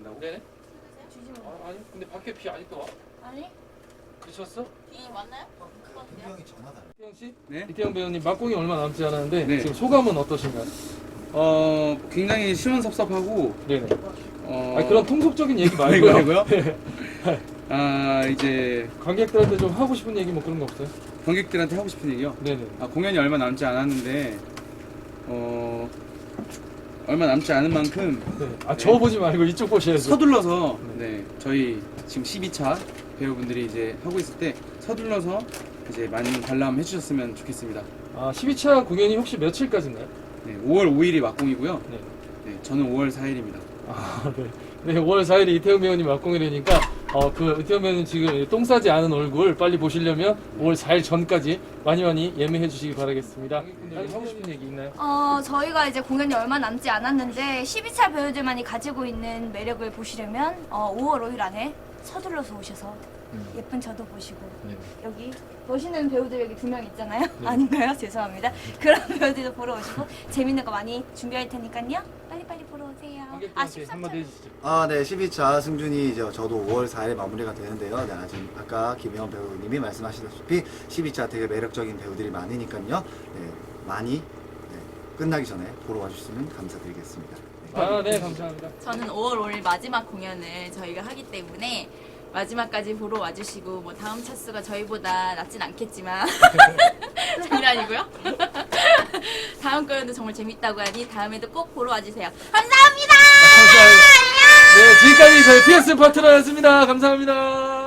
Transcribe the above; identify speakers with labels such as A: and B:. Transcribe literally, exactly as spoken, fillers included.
A: 된다고? 네네. 아, 아니 근데 밖에 비 아직도 와?
B: 아니?
A: 그쳤어?
B: 비 맞나요?
C: 분명히 전화다.
A: 이태영 씨?
D: 네.
A: 이태영 배우님 막공이 얼마 남지 않았는데
D: 네.
A: 지금 소감은 어떠신가요?
D: 어 굉장히 시원섭섭하고
A: 네네.
D: 어
A: 아 그런 통속적인 얘기
D: 아이고,
A: 말고요.
D: 아이고요? 아 이제
A: 관객들한테 좀 하고 싶은 얘기 뭐 그런 거 없어요?
D: 관객들한테 하고 싶은 얘기요.
A: 네네.
D: 아 공연이 얼마 남지 않았는데 어 얼마 남지 않은 만큼
A: 네. 아 저 보지 말고 이쪽 보셔야죠.
D: 서둘러서 네 저희 지금 십이 차 배우분들이 이제 하고 있을 때 서둘러서 이제 많은 관람 해주셨으면 좋겠습니다.
A: 아 십이 차 공연이 혹시 며칠까지인가요?
D: 네 오월 오일이 막공이고요.
A: 네.
D: 네 저는 오월 사일입니다.
A: 아 네. 네 오월 사일에 이태영 배우님 막공이라니까 어 그 이태영 배우님 지금 똥 싸지 않은 얼굴 빨리 보시려면 오월 사일 전까지 많이 많이 예매해 주시기 바라겠습니다. 관객분들 하고 싶은 얘기 있나요?
B: 어, 저희가 이제 공연이 얼마 남지 않았는데 십이 차 배우들만이 가지고 있는 매력을 보시려면 어, 오월 오일 안에 서둘러서 오셔서 예쁜 저도 보시고
A: 네.
B: 여기 보시는 배우들 여기 두 명 있잖아요. 아닌가요? 죄송합니다. 그런 배우들도 보러 오시고 재밌는 거 많이 준비할 테니까요. 빨리빨리 보러 오세요. 아,
A: 관객들한테
B: 십삼 차
A: 한마디 해주시죠.
C: 아, 네, 십이 차 승준이 이제 저도 오월 사일에 마무리가 되는데요. 네, 지금 아까 김혜원 배우님이 말씀하시다시피 십이 차 되게 매력적인 배우들이 많으니까요. 네, 많이 네, 끝나기 전에 보러 와주시면 감사드리겠습니다. 네.
A: 아 네 감사합니다.
E: 저는 오월 오일 마지막 공연을 저희가 하기 때문에 마지막까지 보러 와주시고 뭐 다음 차수가 저희보다 낮진 않겠지만 장난이고요. 다음 공연도 정말 재밌다고 하니 다음에도 꼭 보러 와주세요. 감사합니다.
A: 감사합니다. 네 지금까지 저희 피에스 파트너였습니다. 감사합니다.